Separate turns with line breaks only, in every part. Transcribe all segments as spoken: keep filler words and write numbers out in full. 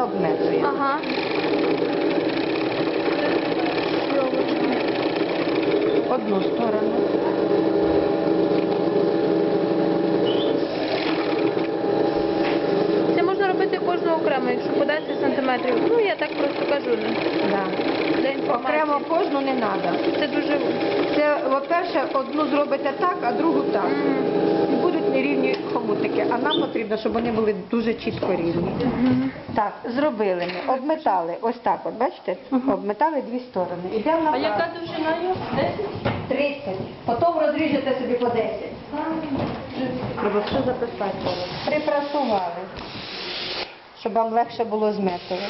обметуємо.
Ага.
Одну сторону.
Це можна робити кожну окремо, якщо по десять сантиметрів. Ну, я так просто кажу.
Да.
Для інформації.
Окремо кожну не треба.
Це дуже...
Це, по-перше, одну зробите так, а другу так.
Мгм.
І будуть нерівні хомутики. А нам потрібно, щоб вони були дуже чітко рівні.
Мгм.
Так, зробили ми. Обметали. Ось так от, бачите? Обметали дві сторони. Ідемо на
А яка довжина його? десять?
тридцять. Потім розріжете собі по десять. Треба все записати. Припрасували, щоб вам легше було зметувати.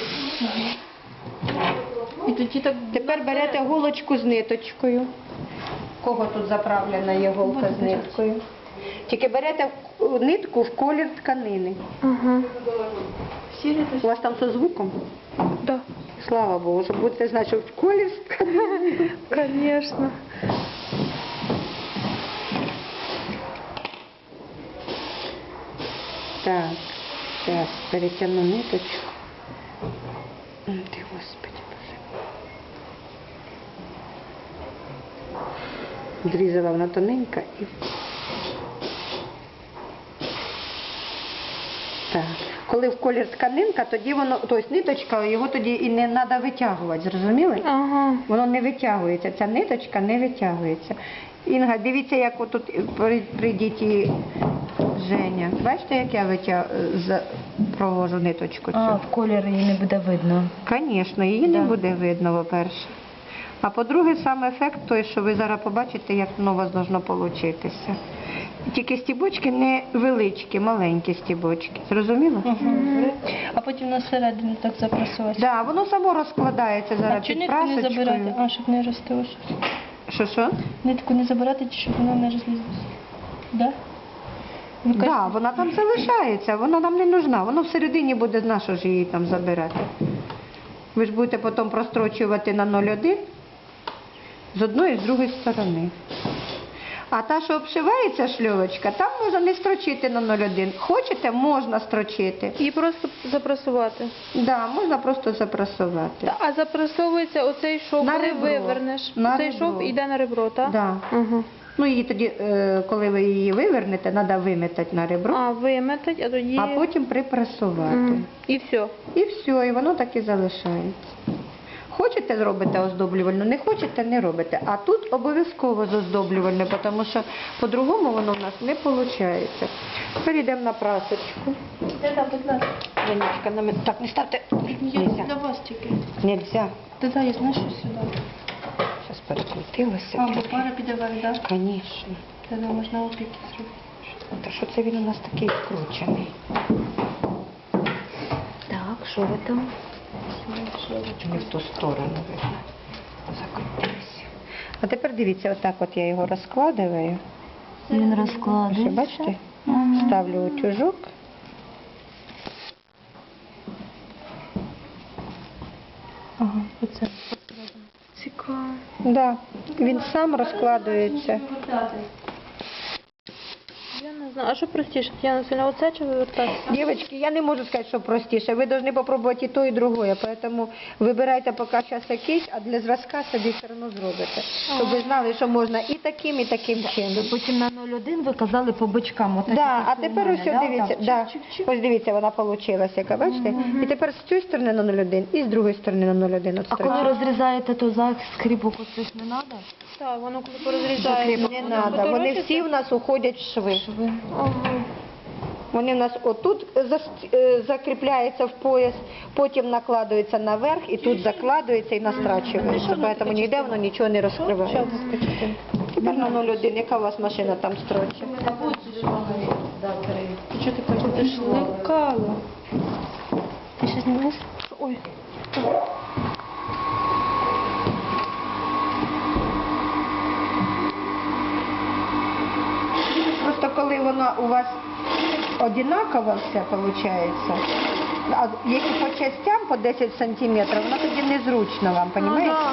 І тоді так...
Тепер берете голочку з ниточкою. У кого тут заправлена є голка з ниткою? Тільки берете нитку в колір тканини.
Ага. Сірі
У вас там со звуком?
Да.
Слава Богу, щоб будете знати, що в колір з тканини.
Конечно.
Так, зараз перетягну ниточку. Ой, ти, Господи, Боже. Зрізала вона тоненька і... Так. Коли в колір тканинка, тоді воно, тобто ниточка, його тоді і не треба витягувати, зрозуміли?
Ага.
Воно не витягується, ця ниточка не витягується. Інга, дивіться, як отут при, при діті Женя. Бачите, як я витяг... з- провожу ниточку цю?
А, в колір її не буде видно.
Звісно, її не
Да.
буде видно, по-перше. А по-друге, сам ефект той, що ви зараз побачите, як воно у вас должно получитися. Тільки стібочки не величкі, маленькі стібочки. Зрозуміло?
Угу. А потім на середину так запрасувати.
Да, воно само розкладається
А
зараз
чи
під
нитку не забирати?
прасочкою.
А, щоб не розтилося.
Що, що?
Нитку не забирати, чи щоб вона не розлізлася? Да? Ви
Так,
кажете,
да, вона там залишається, вона нам не нужна. Воно всередині буде, на що ж її там забирати. Ви ж будете потім прострочувати на нуль один з одної і з другої сторони. А та, що обшивається шльовочка, там можна не строчити на нуль один. Хочете, можна строчити.
І просто запрасувати.
Да, можна просто запрасувати.
А запрасовується оцей шов,
На
коли
ребро.
вивернеш.
На
Цей
ребро.
шов йде на ребро, так?
Да.
Ага.
Ну, її тоді, е, коли ви її вивернете, треба виметати на ребро,
А, виметать, а тоді...
а потім припрасувати.
М. І все.
І все, і воно так і залишається. Хочете зробите оздоблювальну, не хочете не робите. А тут обов'язково з оздоблювальною, тому що по-другому воно в нас не виходить. Тепер йдемо на прасочку.
Да-да, будь ласка.
Женечка, на мене. Так, не ставте.
Я
Нельзя.
для вас тільки.
Нельзя.
Да-да, я знаю, що сюди.
Зараз перекрутилося.
А, бо пара піде вверх, так?
Звісно.
Тоді можна опіки зробити.
Та що це він у нас такий вкручений?
Так, що ви там?
Не в ту сторону видно. Закрутився. А тепер дивіться, отак от я його розкладаю.
Він
Ще
розкладається.
бачите? Ставлю утюжок.
Ага, оце.
Цікаво.
Да, він сам розкладується.
Я не знаю. А що простіше? Я сильно оце чи вивертатися?
Дівчатки, я не можу сказати, що простіше. Ви повинні спробувати і то, і друге. Тому вибирайте поки час якийсь, а для зразка собі все одно зробите. Щоб ви знали, що можна і таким, і таким чином.
Потім на нуль один ви казали по бочкам. Отак,
Да,
як
а
у
тепер
мене,
ось
да,
дивіться,
так?
да.
Чик-чик-чик.
Ось дивіться, вона вийшла, яка, бачите? І тепер з цієї сторони на нуль один і з другої сторони на нуль один. От
А коли
строчки.
розрізаєте, то за скріпок оцих не треба?
Так, воно коли порозрізається.
Не треба, вони всі в нас уходять в шви.
Ага.
Вони в нас отут зас- е, закріпляються в пояс, потім накладуються наверх і тут закладується і настрачується. Тому ніде воно нічого не розкривається. Тепер на нуль один, яка у вас машина там строчить?
Ти що ти кажеш? Ти ж
Лекало.
Ти ще знімаєш?
Ой.
Просто коли воно у вас однаково все виходить, а якщо по частям по десять сантиметрів, воно тоді незручно вам,
Ну,
розумієте?
да.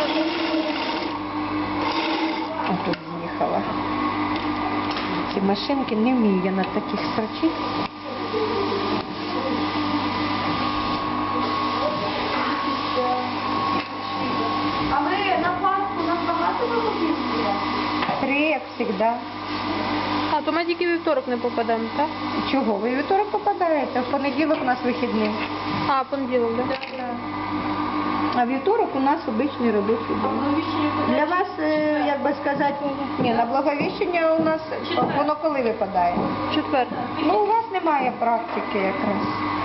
Ось тут з'їхала. Ці машинки не вмію я на таких строчити. Да.
А, то ми тільки вівторок не попадемо, так?
Чого? Ви вівторок попадаєте, в понеділок у нас вихідний.
А, понеділок, так?
А вівторок у нас обичний робочий день. Для вас, е, як би сказати, ні, на Благовіщення у нас воно коли випадає?
Четвер.
Ну, у вас немає практики якраз.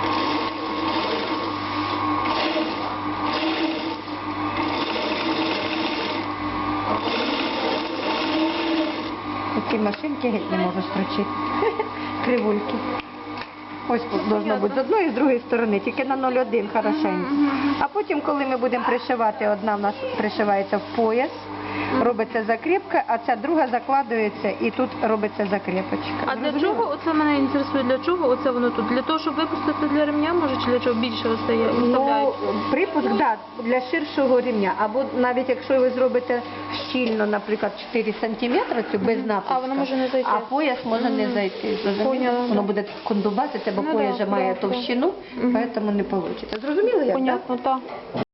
Ці машинки геть не можу строчити. Кривульки. Ось тут должно бути з одної і з другої сторони, тільки на нуль один хорошенько. А потім, коли ми будемо пришивати, одна в нас пришивається в пояс, робиться закріпка, а ця друга закладується і тут робиться закріпочка.
А для
Зрозуміло?
чого, оце мене інтересує, для чого оце воно тут? Для того, щоб випустити для ремня, може, чи для чого більше остає?
Ну,
вставляють?
припуск, да, для ширшого рівня. Або навіть якщо ви зробите щільно, наприклад, чотири сантиметри, цю без напуска,
А, воно може не зайти.
а пояс може не зайти. Зрозуміло?
Поняла.
Воно буде кондубатися, бо
Ну,
пояс
да,
же має
да,
товщину,
Мгм.
тому не вийде. Зрозуміло як, так?
Понятно, так.